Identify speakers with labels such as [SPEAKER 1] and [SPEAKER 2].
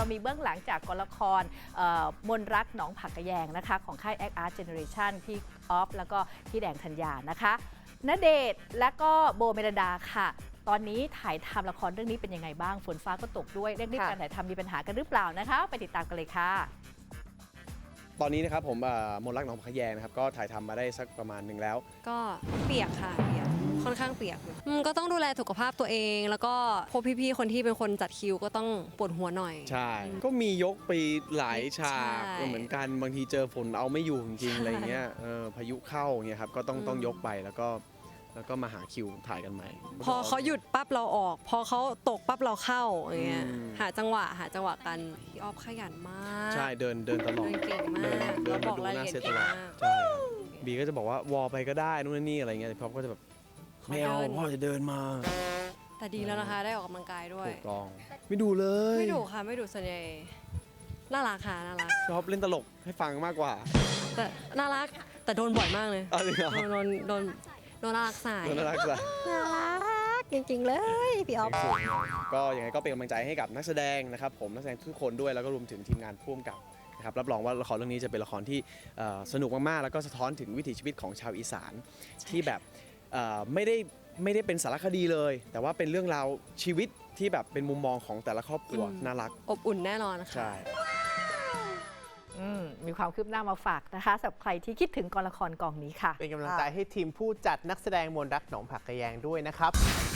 [SPEAKER 1] เรามีเบื้องหลังจากกองละครมนรักหนองผักกะแยงนะคะของค่าย Act Art Generation พี่ออฟแล้วก็พี่แดงธัญญานะคะณเดชน์และก็โบเมลดาค่ะตอนนี้ถ่ายทำละครเรื่องนี้เป็นยังไงบ้างฝนฟ้าก็ตกด้วยเร่งรีบการถ่ายทำมีปัญหากันหรือเปล่านะคะไปติดตามกันเลยค่ะ
[SPEAKER 2] ตอนนี้นะครับผมมนรักหนองผักกะแยงนะครับก็ถ่ายทำมาได้สักประมาณหนึ่งแล้ว
[SPEAKER 3] ก็เปียกค่ะเปียกค่อนข้างเปียกก็ต้องดูแลสุขภาพตัวเองแล้วก็พวกพี่ๆคนที่เป็นคนจัดคิวก็ต้องปวดหัวหน่อย
[SPEAKER 2] ใช่ก็มียกไปหลายฉาก
[SPEAKER 3] ใช่
[SPEAKER 2] เหมือนกันบางทีเจอฝนเอาไม่อยู่จริงๆอะไรเงี้ยพายุเข้าเงี้ยครับก็ต้องยกไปแล้วก็มาหาคิวถ่ายกันใหม่
[SPEAKER 3] พอเขาหยุดปั๊บเราออกพอเขาตกปั๊บเราเข้าอย่างเงี้ยหาจังหวะกันพี่ออฟขยันมาก
[SPEAKER 2] ใช่เดินตลอด
[SPEAKER 3] เก่งมาก
[SPEAKER 2] เดิน
[SPEAKER 3] บ
[SPEAKER 2] มา
[SPEAKER 3] อก
[SPEAKER 2] ดู
[SPEAKER 3] ราย
[SPEAKER 2] ห
[SPEAKER 3] ละ
[SPEAKER 2] น้า
[SPEAKER 3] เอียด
[SPEAKER 2] เซตต
[SPEAKER 3] เก่ง
[SPEAKER 2] ลอด
[SPEAKER 3] มาก
[SPEAKER 2] ใช่บีก็จะบอกว่าวอลไปก็ได้นู่นนี่อะไรเงี้ยแต่พ่อก็จะแบบไม่เอาพ่อจะเดินมา
[SPEAKER 3] แต่ดีแล้วนะคะได้ออกกำลังกายด้วย
[SPEAKER 2] ถูกต้องไม่ดูเลย
[SPEAKER 3] ไม่ดุค่ะไม่ดุส่วนใหญ่น่ารักค่ะน่ารัก
[SPEAKER 2] ชอบเล่นตลกให้ฟังมากกว่า
[SPEAKER 3] แต่น่ารักแต่โดนบ่อยมากเลย
[SPEAKER 2] อะไรเหรอ
[SPEAKER 3] โดนน่ารักสาย
[SPEAKER 2] น่ารักจ้ะ
[SPEAKER 3] น่ารักจริงๆเลยพี่ออฟ
[SPEAKER 2] ก็ยังไงก็เป็นกำลังใจให้กับนักแสดงนะครับผมนักแสดงทุกคนด้วยแล้วก็รวมถึงทีมงานพ่วงกับนะครับรับรองว่าละครเรื่องนี้จะเป็นละครที่สนุกมากๆแล้วก็สะท้อนถึงวิถีชีวิตของชาวอีสานที่แบบไม่ได้เป็นสารคดีเลย แต่ว่าเป็นเรื่องราวชีวิตที่แบบเป็นมุมมองของแต่ละครอบครัวน่ารัก
[SPEAKER 3] อบอุ่นแน่นอนค่ะ
[SPEAKER 2] ใช่
[SPEAKER 1] มีความคืบหน้ามาฝากนะคะสำหรับใครที่คิดถึงกองละครกองนี้ค่ะ
[SPEAKER 4] เป็นกำลังใจให้ทีมผู้จัดนักแสดงมนรักหนองผักกะแยงด้วยนะครับ